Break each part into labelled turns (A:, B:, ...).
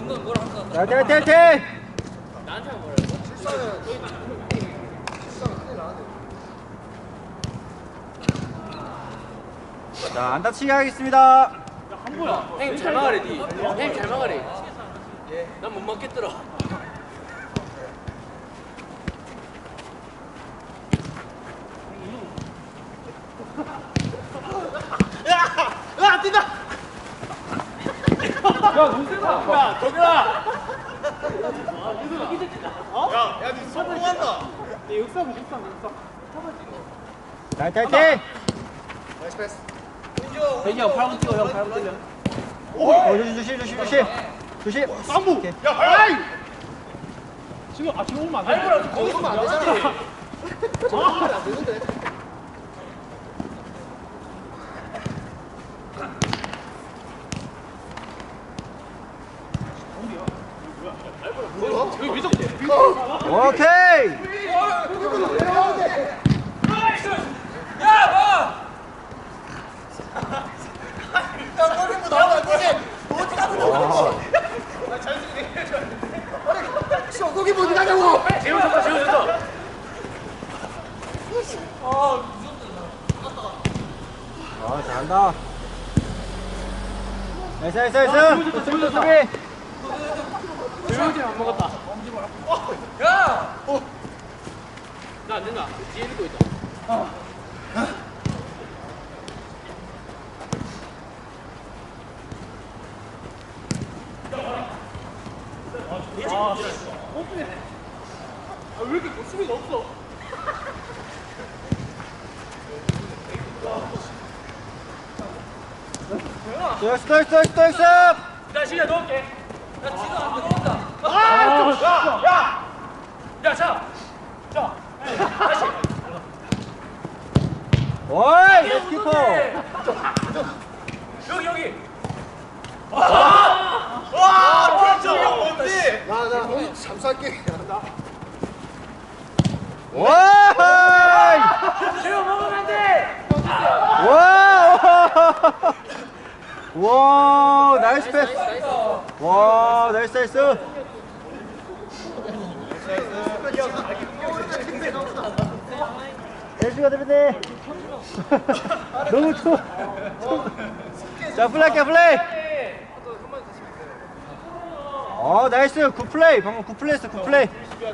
A: 화이팅 화이팅 화이팅!
B: 나한테만 뭐라
A: 자, 안 다치게 하겠습니다.
B: 형님 잘 막아래 니. 형님 잘 막아래. 난 못 막겠더라. 야 뛴다. 야 문세다. 야 도겸아.
C: 야, 니 성공한다.
B: 육삼.
A: 화이팅 화이팅!
C: 나이스 패스.
B: 대기 형 8번 뛰어 형 8번 뛰려.
A: 조심.
C: 쌈무.
A: 오케이.
C: 야, 아이.
B: 지금 지금 오면 안 돼.
C: 아이고라, 거기 오면 안 되잖아. 저거 하면 안 되는데.
B: 여기 위적.
A: 오케이!
C: 야, 머리 뭐 나오면 안 되지. 어디 가는 거야? 거기 뭐 어디 가냐고.
B: 재우셨다.
A: 잘한다. 나이스. 수비.
B: 재우지 안 먹었다. 야! 나 안 된다. 뒤에 읽고 있다. 왜 이렇게 수비가 없어?
A: 나이스.
B: 나 시간 넣을게. 나 지금 안 들어온다. 야, 자. 다시.
A: 오이, 키퍼.
B: 여기.
C: 와, 진짜 뭔데? 나 오늘 잠수할게.
A: 오이!
B: 재우 먹으면 안 돼.
A: 와, 나이스 패스. 와, 나이스. 날씨가 되는데. 너무 추워. 자, 플레이. 나이스. 굿 플레이. 방금 굿 플레이했어. 오케이.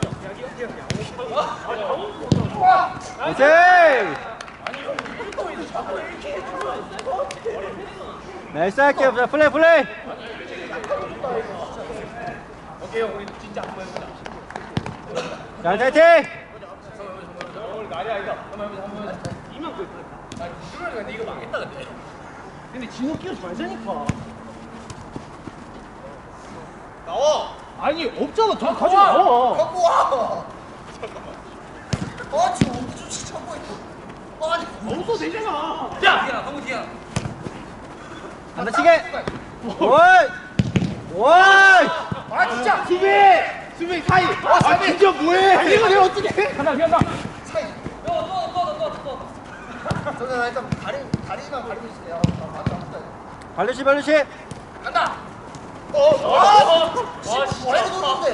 A: 나이스 할게요. 자, 플레이.
B: 오케이, 형, 우리 진짜 한번 해보자.
A: 자, 화이팅!
B: 아니다. 한번 해보자. 이만큼. 그러니까 이거 망했다, 근데 진호 끼우지 말자니까.
C: 나와.
B: 아니, 없잖아. 더 가져와.
C: 갖고 와. 잠깐만. 지금 어디 좀 찾고 있고. 아니,
B: 없어 되잖아. 야, 너무 뒤야.
A: 안 다치게! 오이!
C: 진짜.
B: 수비 사이.
C: 진짜 뭐해? 이거 내가 어떻게 해?
B: 간다.
C: 사이. 저는 일단 다리만 가리고 있을게요. 맞다.
A: 발루시!
C: 간다. 와, 이거 놓는데.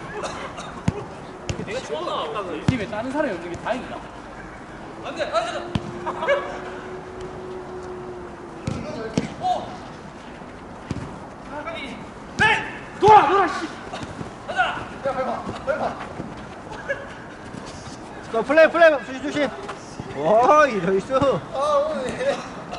B: 내가 좋아. 이 팀에 다른 사람이 없는 게 다행이다. 안 돼. 놀아 씨.
C: 야, 밟아.
A: 자, 플레이 조심. 와, 이러이스.
C: 오늘.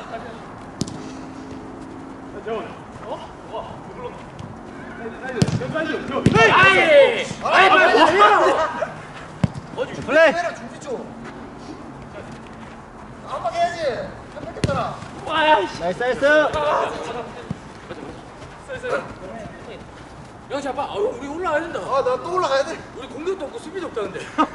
A: 플레이.
C: 내가 준비 좀. 한방 해야지. 한 뺏겼잖아.
A: 나이스.
B: 야, 잡아. 우리 올라가야 된다.
C: 나 또 올라가야 돼.
B: 우리 공격도 없고 수비도 없다는데.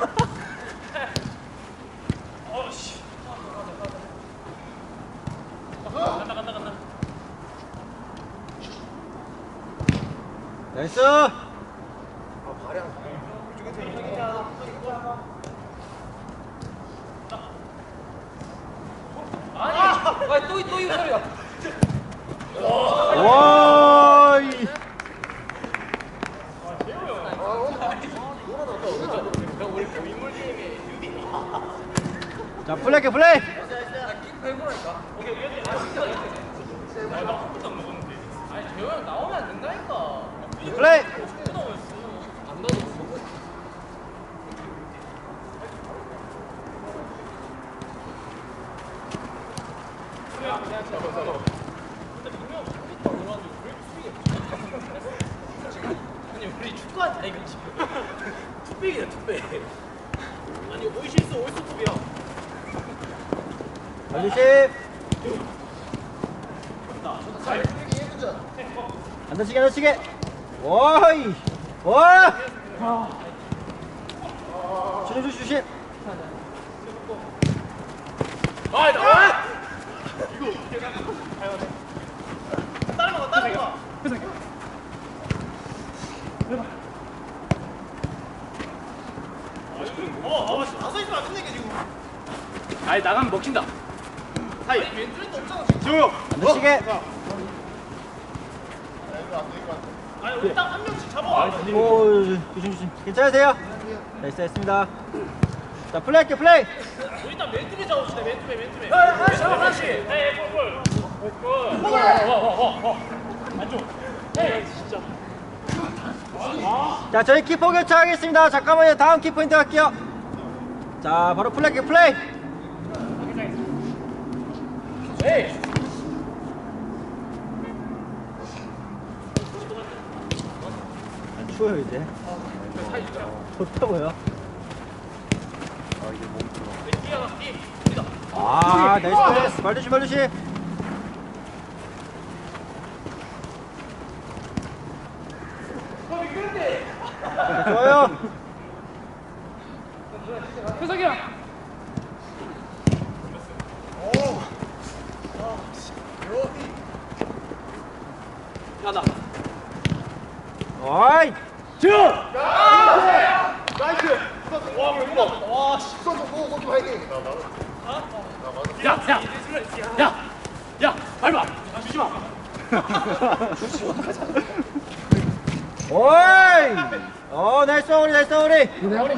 B: 간다.
A: 나이스.
C: 발이 안
B: 아니, 또 이거 소리야.
A: 와, 플레이 할게 플레이.
B: 아니 재호 형 나오면 안 된다니까.
A: 플레이.
B: 안 나도. 아니 우리 축구한다 이거 지금. 투백이야 투백. 아니 오이시스 오이스톱이야.
A: 반주심. 안 다치게 안 다치게. 와이. 와. 주심.
B: 아 나. 이거. 따라가. 나서 있으면 안 된다니까 지금. 아니 나가면 먹힌다. 하이. 왼쪽도 없잖아 지금. 지호.
A: 안 다치게.
B: 아니 우리 딱 한 명씩 잡아.
A: 오 조심. 괜찮으세요? 나이스 했습니다. 자 플레이 할게 플레이.
B: 일단 맨투맨 잡읍시다. 맨투맨. 잡아 하나씩. 네, 골. 와. 안쪽. 네, 진짜.
A: 자 저희 키퍼 교체하겠습니다. 잠깐만요. 다음 키포인트 갈게요. 자 바로 플레이 할게 플레이.
B: 네.
A: 안 추워요 이제. 좋다고요. 아 나이스 패스. 말조심. 네, 좋아요.
B: 현석이야. 야나.
A: 어이.
B: 지호.
C: 나이스.
B: 와, 왜 이거? 와, 씨.
C: 수원 좀 보고 거기 화이팅.
B: 야, 밟아. 주지 마.
A: 어이. 나이스 마무리.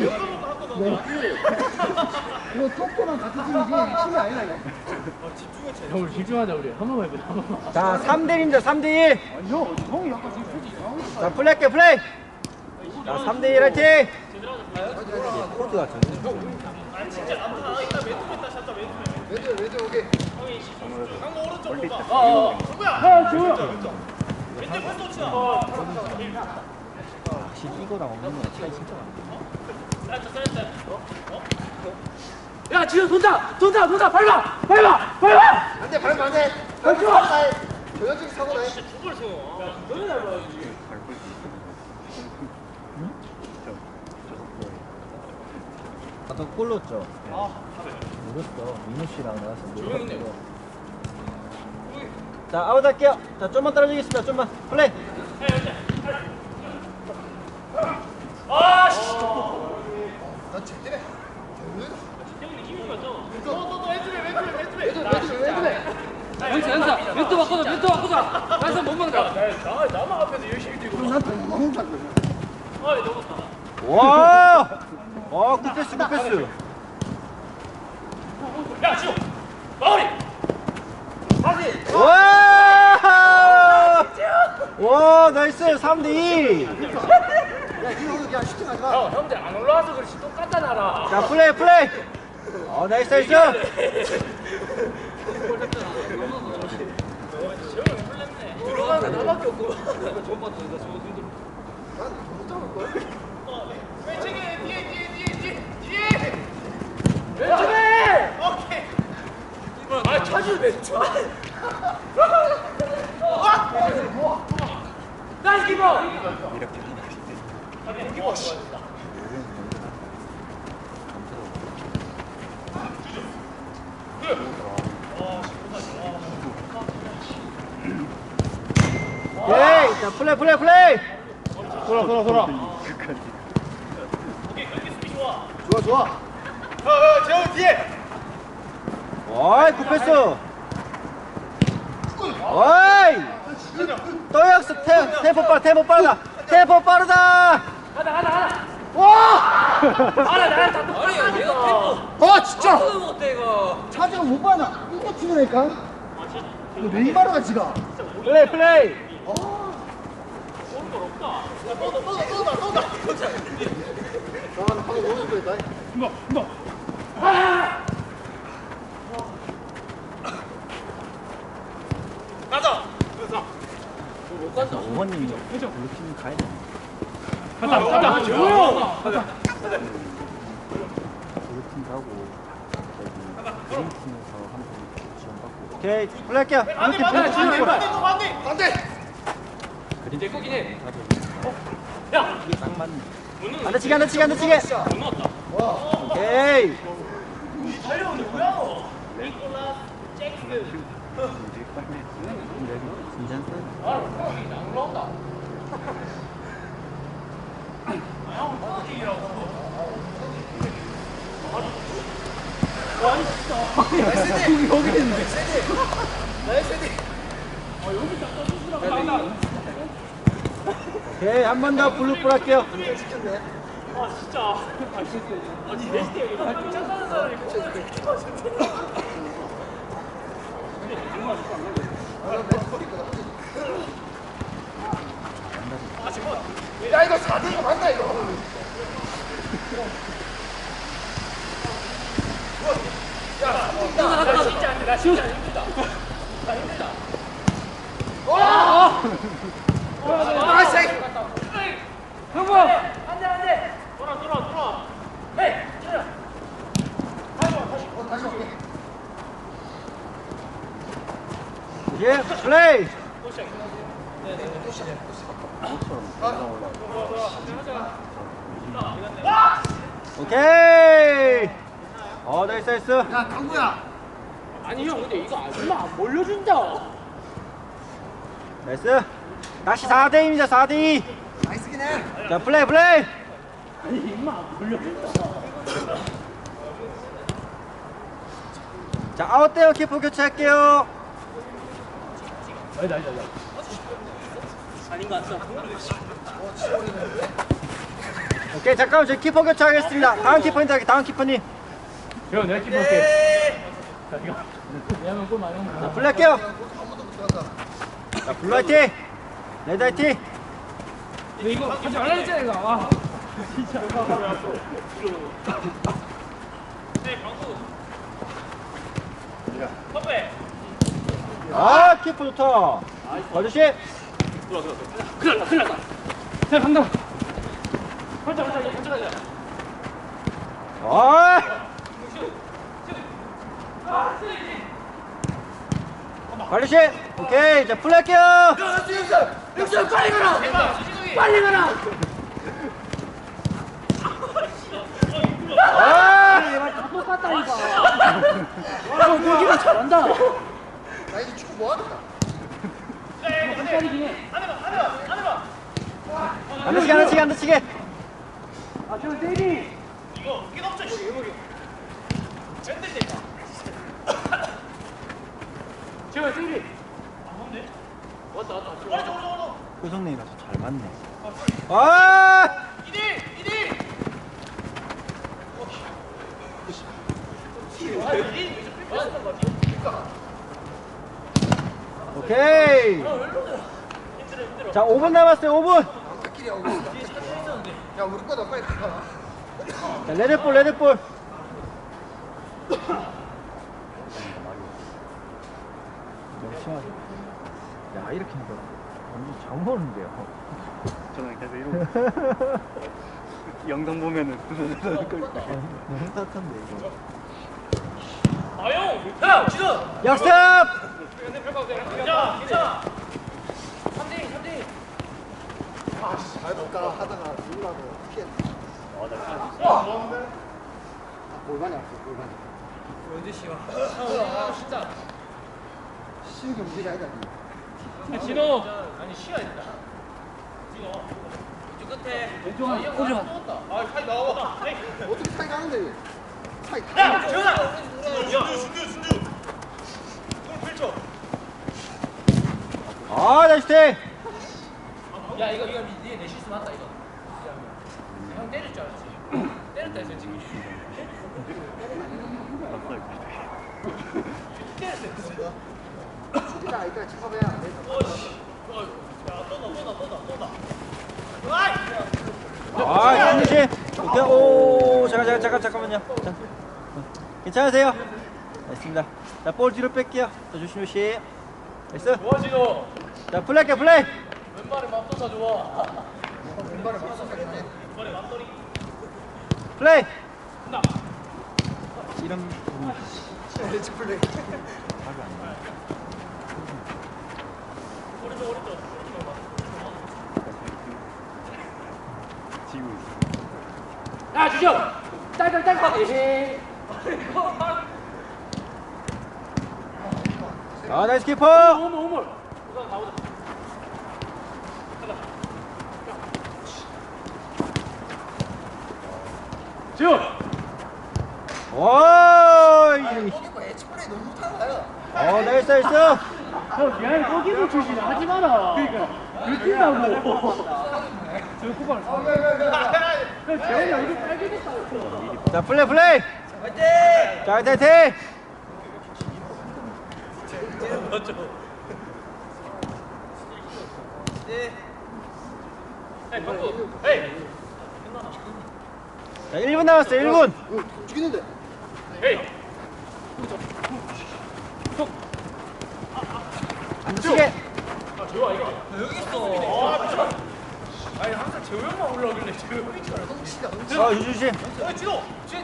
C: 이거 토끼랑 같은 팀이지 팀이 아니라 이거.
B: 형, 집중하자 우리. 한 번만 해보자. 한 번만.
A: 자 3대1입니다 3대1.
C: 아니 형이 약간 지금 표지 이상한 거.
A: 자 플레이 할게 플레이. 자 3대1 화이팅. 코드 같은데.
C: 왼쪽 오케이.
A: 확실히 이거랑 없는 거랑 차이 진짜 많네.
B: 야, 지호 돈다. 밟아.
C: 안돼 밟으면 안돼. 조현진 사고 나해.
A: 아까 골 넣었죠? 모르겠어. 민우 씨랑 나와서 모르겠어. 자 아웃 할게요. 자 좀만 떨어지겠습니다. 좀만 플레이.
C: 나 제때네.
B: 연사. 멘트 바꾸자. 나서 못 막는다. 나만 앞에서 열심히 뛰고.
C: 난더 너무 잘거든.
B: 어이, 넘었다.
A: 와. 굿패스.
B: 야, 지호. 마무리.
A: 와 나이스 3대2.
C: 야 이거 그냥 슈팅하지 마.
B: 형들 안 올라와서 그렇지 똑같다 나라.
A: 자 플레이. 나이스.
B: 들어가는 거 나밖에 없고.
C: 난못 잡을 걸.
B: 왼쪽에 뒤에. 왼쪽에. 오케이. 아, 차지 왼쪽. 나이스 키퍼.
A: 오케이. 자 플레이. 돌아.
C: 좋아.
B: 재호 뒤에.
A: 어이 굿패스. 어이 또 역습. 템포 빠르다.
B: 가자.
C: 와!
B: 아나 나랑 다 똑같아. 아니 얘가 템포.
C: 아 진짜!
B: 템포도 못해 이거.
C: 차지가 못 봐나. 이거 튀어나니까. 이거 네이마르가 지가.
A: 플레이.
B: 못 간다.
A: 어머님이 블루팀 가야 돼.
B: 가자. 조용.
A: 블루팀 가고 저기 그린팀에서 한번 지원받고. 오케이 플레이할게요.
C: 안돼!
B: 그린 내 거긴 해.
A: 야 이게 딱 맞네. 안 다치게 안 다치게 안 다치게.
B: 못 넣었다.
A: 오케이. 오케이 한 번 더 블루볼 할게요.
C: 야 이거 4대2가 맞나 이거?
B: 나 진짜 안 힘들다.
A: 예 플레이. 오케이. 나이스 나이스.
C: 야 강구야.
B: 아니 형 근데 이거 얼마 안 몰려준다.
A: 나이스. 다시 4대2입니다. 4대2.
C: 나이스긴 해.
A: 자 플레이 플레이.
B: 아니 임마 안 몰려준다.
A: 자 아웃되어 키퍼 교체할게요.
B: 아닌 것 같아.
A: 오케이 잠깐만 저희 키퍼 교체하겠습니다. 다음 키퍼님 할게. 다음 키퍼님.
B: 형 내가 키퍼 할게. 자 이거. 내가 골 많이 먹는
A: 자 플레이할게요. 자 블루 화이팅. 레드 화이팅.
B: 근데 이거 하지 말라 했잖아 이거. 아. 진짜.
A: 아 키퍼 좋다. 아저씨.
B: 큰일 났다. 자 간다. 활짝.
A: 관리씨. 오케이 자 플레이할게요.
B: 육수 빨리 가라. 빨리 가라. 다 똑같다 이거. 와 골키퍼 잘한다.
C: 나 이제 축구 뭐 하는가?
B: 한살이긴 해.
A: 안 다치게 안 다치게 안 다치게.
B: 아 저 데뷔. 제가 데뷔.
A: 효성님이라서 잘 맞네. 아! 오케이. 자 5분 남았어요. 5분.
C: 끼리 하고 있어. 야 우리 거다 빨리 가.
A: 자 레드볼 레드볼. 너무 심하게. 야 이렇게 하니까 완전 장 오는데요.
D: 저는 계속 이러고 영상 보면은
A: 너무 따뜻한데 이거.
B: 아용. 야 지금.
A: 역습.
B: 야 괜찮아. 3대2.
C: 잘 볼까 하다가 누구라고 피했네. 골반이 아파 골반이.
B: 언제 씨와. 진짜.
C: 쉬운 게 문제가 아니다.
B: 진호. 아니 시가 있다. 진호. 이쪽 끝에. 왼쪽 한. 오죠. 아 사이 나와.
C: 어떻게 차이 가는데? 차이
B: 야
C: 가.
B: 재현아.
A: 아 나이스 테이.
B: 야 이거 내 실수 맞다 이거. 형 때릴 줄 알았지. 때렸다 했어 지금.
C: 일단 여기까지 집합해야 안 돼.
A: 아, 김유진. 오케이. 오, 잠깐만요. 자, 괜찮으세요? 됐습니다. 자, 볼 뒤로 뺄게요. 자, 조심. 됐어.
B: 좋아 진호.
A: 자, 플레이.
B: 왼발에 맘도사 좋아.
C: 왼발에 맞서겠네.
A: 플레이. 이런
C: 엣지 플레이.
D: 지고 있어.
B: 야 주정. 딸깍. 에헤이.
A: 아, 나이스 키퍼.
B: 오물. 우선 가보자. 지호.
A: 오이.
C: 거기 엣지 플레이 너무 못하나요?
A: 나이스.
B: 형 미안해 거기서 출신 하지 마라. 그러니까 들킨다고. 저 쿠팡을 사. 재현이 얼굴 빨개졌다고.
A: 자, 플레이. 자, 화이팅.
B: 에이 방구. 에이.
A: 자, 1분 남았어요. 1분.
C: 죽이는데.
B: 에이.
A: 안 치게.
B: 아 재호야 이거. 여기 있어. 아 미쳐. 아니 항상 재호 형만 올라오길래 재호 형인 줄 알았어.
C: 흥시다.
A: 유주심.
B: 진호.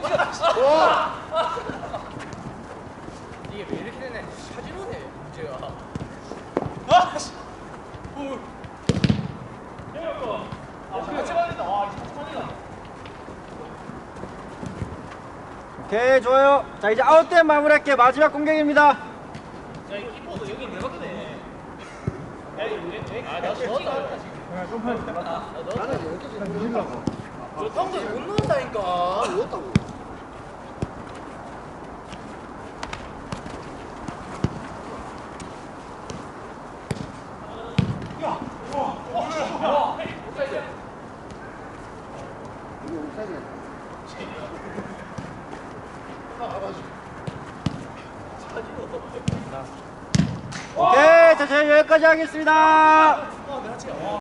B: 이게 왜 이렇게 되네. 사진호네 문제가. 아 씨. 오. 같이 말린다. 와 이제 같이 말린다.
A: 오케이, 좋아요. 자, 이제 아웃된 마무리할게요. 마지막 공격입니다.
B: 야, 이 키퍼도 여기 왜 바뀌네? 야, 나 넣었다.
C: 나는 여기까지 누르려고.
B: 저 형도 못 넣었다니까.
C: 누웠다고. 이거 옵사이드야.
A: 오케이, 자, 저희 여기까지 하겠습니다.